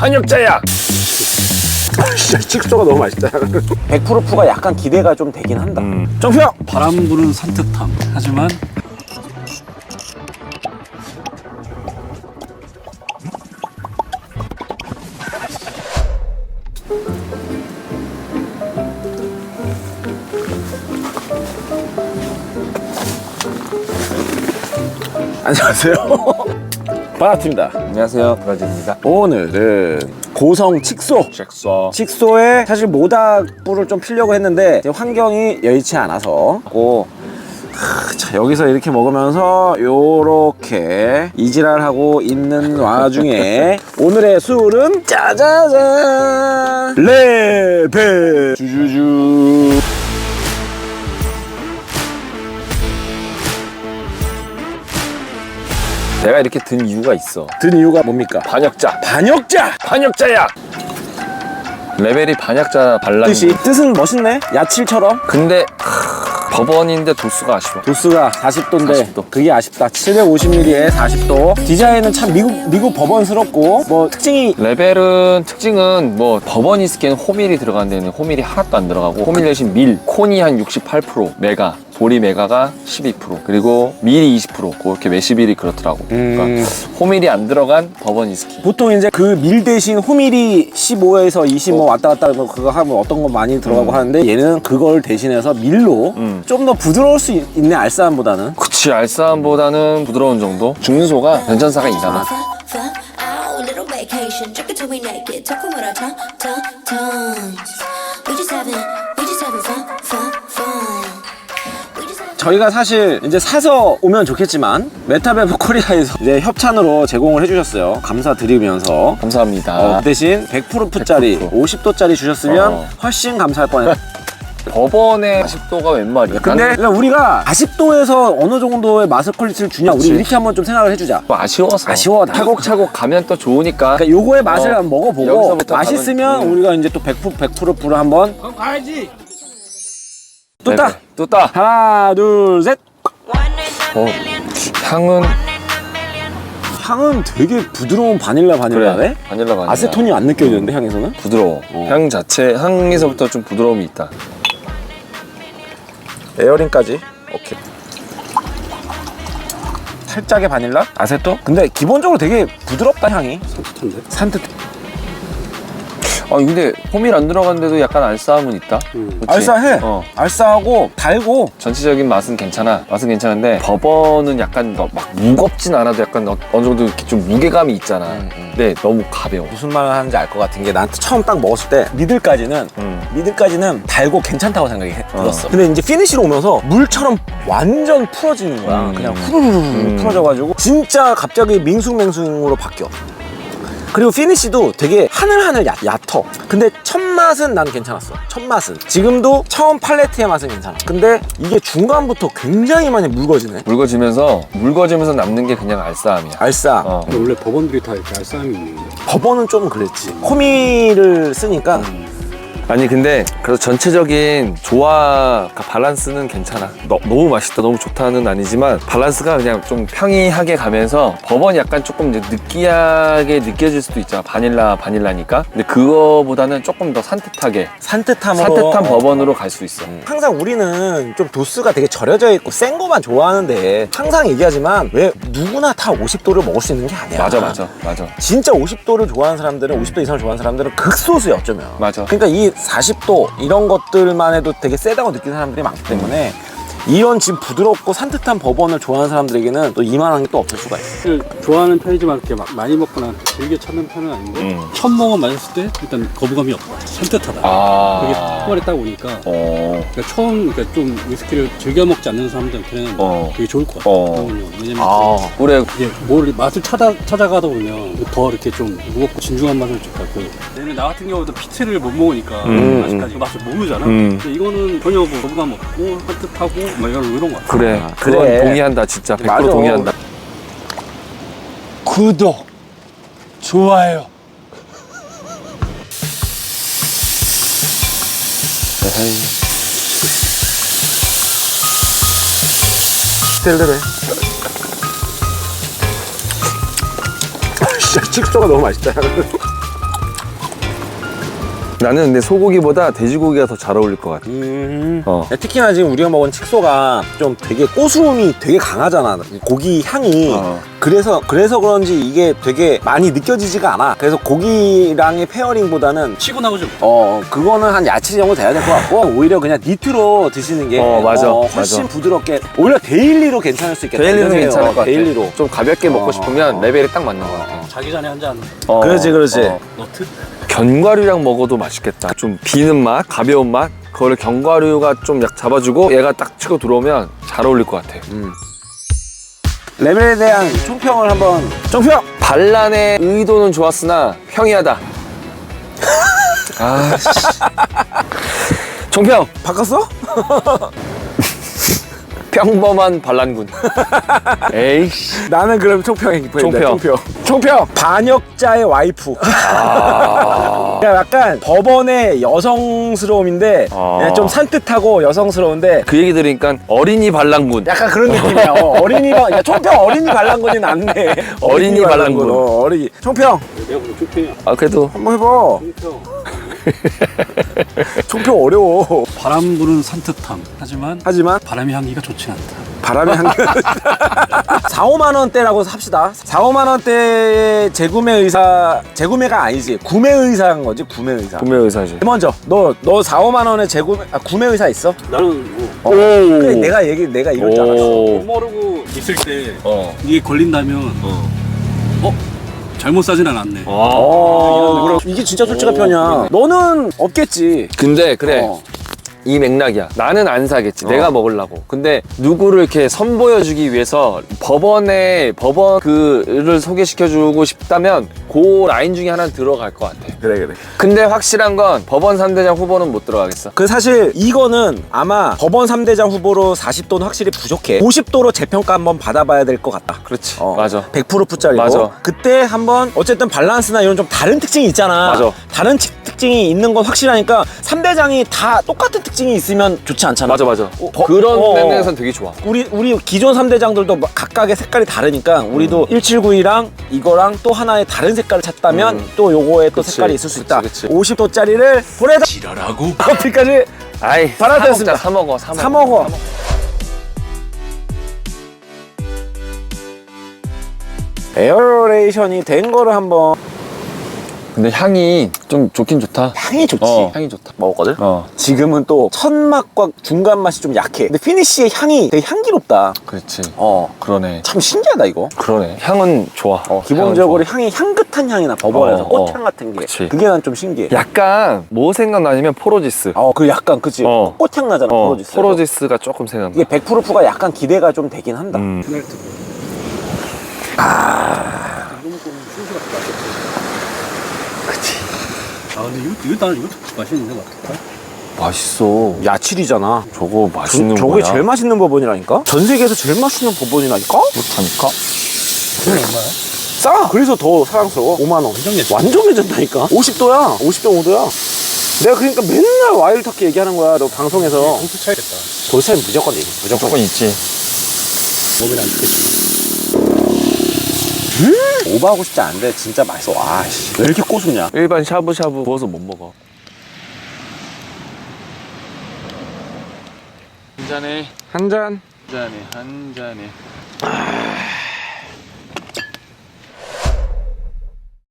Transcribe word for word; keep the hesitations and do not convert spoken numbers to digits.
반역자야. 진짜 칙소가 너무 맛있다. 백프루프가 약간 기대가 좀 되긴 한다. 음. 정표! 바람 부는 산뜻함. 하지만 안녕하세요. 반갑습니다. 안녕하세요, 브라질입니다. 오늘은 고성 칙소. 잭서. 칙소에 사실 모닥불을 좀 피려고 했는데 환경이 여의치 않아서 고 하, 자, 여기서 이렇게 먹으면서 요렇게 이지랄하고 있는 와중에 오늘의 술은 짜자잔 레베 주주주. 내가 이렇게 든 이유가 있어. 든 이유가 뭡니까? 반역자. 반역자! 반역자야. 레벨이 반역자 발라. 뜻이 뜻은 멋있네. 야칠처럼. 근데 하, 법원인데 도수가 아쉬워. 도수가 사십 도인데 사십 도. 그게 아쉽다. 칠백오십 밀리리터에 사십 도. 디자인은 참 미국 미국 법원스럽고 뭐 특징이 레벨은 특징은 뭐 법원이 쓰기에는 호밀이 들어가는 데는 호밀이 하나도 안 들어가고 호밀 대신 밀, 콘이 한 육십팔 퍼센트, 메가, 보리 메가가 십이 퍼센트, 그리고 밀이 이십 퍼센트, 그렇게 메시빌이 그렇더라고. 음. 그러니까 호밀이 안 들어간 버번 위스키. 보통 이제 그 밀 대신 호밀이 십오에서 이십오 왔다 갔다 하고 그거 하면 어떤 거 많이 들어가고 음. 하는데 얘는 그걸 대신해서 밀로 음. 좀 더 부드러울 수 있- 있네. 알싸함보다는. 그치, 알싸함보다는 부드러운 정도. 중소가 변천사가 이잖아. Little vacation, drink it till we naked, talking with our tongue, tongue, tongues. We just having, we just having fun, fun, fun. We just having. 저희가 사실 이제 사서 오면 좋겠지만 메타베브 코리아에서 이제 협찬으로 제공을 해주셨어요. 감사드리면서. 감사합니다. 어, 그 대신 백 프루프짜리 백 프루프. 오십 도짜리 주셨으면 어. 훨씬 감사할 뻔했어요. 법원의 사십 도가 웬 말이야? 근데 나는 그냥 우리가 사십 도에서 어느 정도의 맛을 퀄리티를 주냐, 그치. 우리 이렇게 한번 좀 생각을 해주자. 뭐 아쉬워서. 아쉬워. 차곡차곡 가면 또 좋으니까. 그러니까 요거의 맛을 어, 한번 먹어보고 여기서부터 맛있으면 가면, 음. 우리가 이제 또 백 프루프, 백 프루프를 한번 그럼 가야지. 또 따! 또 따. 하나 둘 셋. 어, 향은 향은 되게 부드러운 바닐라 바닐라네? 그래. 바닐라 바닐라. 아세톤이 안 느껴지는데 향에서는? 부드러워. 어. 향 자체, 향에서부터 좀 부드러움이 있다. 에어링까지. 오케이. 살짝의 바닐라? 아세톤? 근데 기본적으로 되게 부드럽다 향이. 산뜻한데? 산뜻. 아, 근데 호밀 안 들어간데도 약간 알싸함은 있다. 음. 그치? 알싸해. 어. 알싸하고 달고. 전체적인 맛은 괜찮아. 맛은 괜찮은데 버번은 약간 너- 막 무겁진 않아도 약간 어- 어느 정도 이렇게 좀 무게감이 있잖아. 음, 음. 근데 너무 가벼워. 무슨 말을 하는지 알 것 같은 게 나한테 처음 딱 먹었을 때 미들까지는 음. 미들까지는 달고 괜찮다고 생각이 해- 어. 들었어. 근데 이제 피니시로 오면서 물처럼 완전 풀어지는 거야. 음. 그냥 후루루루 음. 풀어져가지고 진짜 갑자기 밍숭맹숭으로 바뀌어. 그리고 피니시도 되게 하늘하늘 얕, 얕어. 근데 첫 맛은 난 괜찮았어. 첫 맛은. 지금도 처음 팔레트의 맛은 괜찮아. 근데 이게 중간부터 굉장히 많이 묽어지네. 묽어지면서 묽어지면서 남는 게 그냥 알싸함이야. 알싸. 어. 근데 원래 법원들이 다 이렇게 알싸함이 있는 거. 법원은 좀 그랬지. 호미를 쓰니까 아니 근데 그래서 전체적인 조화 그러니까 밸런스는 괜찮아. 너, 너무 맛있다 너무 좋다는 아니지만 밸런스가 그냥 좀 평이하게 가면서 버번이 약간 조금 이제 느끼하게 느껴질 수도 있잖아. 바닐라 바닐라니까. 근데 그거보다는 조금 더 산뜻하게 산뜻함으로 산뜻한 버번으로 갈 수 있어. 항상 우리는 좀 도수가 되게 절여져 있고 센 거만 좋아하는데 항상 얘기하지만 왜 누구나 다 오십 도를 먹을 수 있는 게 아니야. 맞아 맞아 맞아 진짜 오십 도를 좋아하는 사람들은 오십 도 이상을 좋아하는 사람들은 극소수야 어쩌면. 맞아. 그러니까 이 사십 도 이런 것들만 해도 되게 세다고 느끼는 사람들이 많기 때문에 이런 지금 부드럽고 산뜻한 버번을 좋아하는 사람들에게는 또 이만한 게 또 없을 수가 있어. 사실 좋아하는 편이지만 그렇게 막 많이 먹거나 즐겨 찾는 편은 아닌데 음. 첫 모금 마셨을 때 일단 거부감이 없어. 산뜻하다. 아. 그게 한 마리 딱 오니까 어. 그러니까 처음 그러니까 좀 위스키를 즐겨 먹지 않는 사람들한테는 어. 되게 좋을 것 같아요. 어. 왜냐면 아. 올해 이제 뭘 맛을 찾아 찾아가다 보면 더 이렇게 좀 무겁고 진중한 맛을 줄까. 그 얘는 나 같은 경우도 피트를 못 먹으니까 음, 아직까지 그 맛을 모르잖아. 음. 근데 이거는 전혀 뭐 거부감 없고 산뜻하고 막 이런 이런 것 같아. 그래 아, 그건 그래. 동의한다 진짜 백 퍼센트 맞아. 동의한다. 구독, 좋아요. 스텔레로 해. 진짜 칙소가 너무 맛있다. 나는 근데 소고기보다 돼지고기가 더 잘 어울릴 것 같아. 음. 어. 특히나 지금 우리가 먹은 칡소가 좀 되게 고소함이 되게 강하잖아. 고기 향이. 어. 그래서 그래서 그런지 이게 되게 많이 느껴지지가 않아. 그래서 고기랑의 페어링보다는 치고 나오죠. 어 그거는 한 야채 정도 돼야 될 것 같고 오히려 그냥 니트로 드시는 게 어, 맞아. 훨씬 맞아. 부드럽게 오히려 데일리로 괜찮을 수 있겠다. 데일리는 이런 생각이- 괜찮을 어, 것 같아. 데일리로. 좀 가볍게 먹고 어, 싶으면 어. 레벨이 딱 맞는 것 같아. 자기 전에 한 잔 어. 그렇지, 그렇지. 어. 너트? 견과류랑 먹어도 맛있겠다. 좀 비는 맛, 가벼운 맛. 그거를 견과류가 좀 약 잡아주고 얘가 딱 치고 들어오면 잘 어울릴 것 같아. 음. 레벨에 대한 총평을 한번 총평. 반란의 의도는 좋았으나 평이하다. 아, 씨. 총평. 바꿨어? 평범한 반란군. 에이씨. 나는 그럼 총평이 보인다. 총평. 총평. 총평. 반역자의 와이프. 아. 그러니까 약간 법원의 여성스러움인데 아. 그냥 좀 산뜻하고 여성스러운데 그 얘기 들으니까 어린이 반란군. 약간 그런 느낌이야. 어, 어린이가 야, 총평 어린이 반란군이 낫네. 어린이 반란군. 어, 어린이. 총평 내가 보는 쇼핑이야. 아, 그래도 한번 해봐. 쇼핑. 총평 어려워. 바람 부는 산뜻함. 하지만 하지만 바람의 향기가 좋지 않다. 바람의 향기. 사, 오만 원대라고 합시다. 사, 오만 원대의 재구매 의사, 재구매가 아니지. 구매 의사인 거지, 구매 의사. 구매 의사지. 먼저, 너, 너 사, 오만 원에 재구매, 아, 구매 의사 있어? 나는 뭐 어. 그래, 내가 얘기, 내가 이럴 줄 알았어. 오. 모르고 있을 때 어. 이게 걸린다면 어? 잘못 사진 않았네. 어, 그럼 이게 진짜 솔직한 편이야. 너는 없겠지. 근데 그래. 어. 이 맥락이야. 나는 안 사겠지. 어. 내가 먹으려고. 근데 누구를 이렇게 선보여주기 위해서 법원에 법원 그를 소개시켜주고 싶다면 그 라인 중에 하나는 들어갈 것 같아. 그래, 그래. 근데 확실한 건 법원 삼 대장 후보는 못 들어가겠어. 그 사실 이거는 아마 법원 삼 대장 후보로 사십 도는 확실히 부족해. 오십 도로 재평가 한번 받아봐야 될 것 같다. 그렇지. 어, 맞아. 백 퍼센트짜리고. 맞아. 그때 한번 어쨌든 밸런스나 이런 좀 다른 특징이 있잖아. 맞아. 다른 치- 특징이 있는 건 확실하니까 삼 대장이 다 똑같은 특징이 있으면 좋지 않잖아. 맞아, 맞아. 어, 버- 그런 어. 면에서는 되게 좋아. 우리 우리 기존 삼 대장들도 막 각각의 색깔이 다르니까 우리도 음. 일칠구이랑 이거랑 또 하나의 다른 색깔을 찾다면 음. 또 요거에 또 그치. 색깔이 있을 수 그치, 있다. 그치. 오십 도짜리를 보내다 지랄하고. 커피까지 아이, 받아들였습니다. 사 먹자, 사 먹어, 사 사 먹어. 먹어. 에어레이션이 된 거를 한번 근데 향이 좀 좋긴 좋다. 향이 좋지. 어, 향이 좋다. 먹었거든. 어, 지금은 또 첫 맛과 중간 맛이 좀 약해. 근데 피니쉬의 향이 되게 향기롭다. 그렇지. 어, 그러네. 참 신기하다 이거. 그러네. 향은 좋아. 어, 기본적으로 향은 향이 향긋한 향이 나 법원에서 어, 꽃향 어. 같은 게. 그치. 그게 난 좀 신기해. 좋아. 약간 뭐 생각나냐면 포로지스. 어, 그 약간 그치. 어. 꽃향 나잖아. 어, 포로지스. 포로지스가 조금 생각나. 이게 백 퍼센트가 약간 기대가 좀 되긴 한다. 음. 페널티. 아, 이거 먹고 순수가 맛있지. 그치. 아 근데 이거 이거 나는 이것도 맛있는데 맛있다. 맛있어. 야칠이잖아. 저거 맛있는 저, 저게 거야. 제일 맛있는 법원이라니까? 전 세계에서 제일 맛있는 법원이라니까? 그렇다니까? 이건 얼마야? 싸! 그래서 더 사랑스러워. 오만 원. 완전 괜찮아. 완전 괜찮다니까? 오십 도야. 오십 점 오 도야. 내가 그러니까 맨날 와일드 터키 얘기하는 거야. 너 방송에서. 공수 차이겠다. 돌차이 무조건 얘기. 무조건. 무조건 있지. 몸이 안 좋겠지만. 오버하고 싶지 않은데 진짜 맛있어. 와, 씨. 왜 이렇게 고수냐? 일반 샤브샤브 구워서 못 먹어. 한 잔에 한 잔. 한 잔에 한 잔에.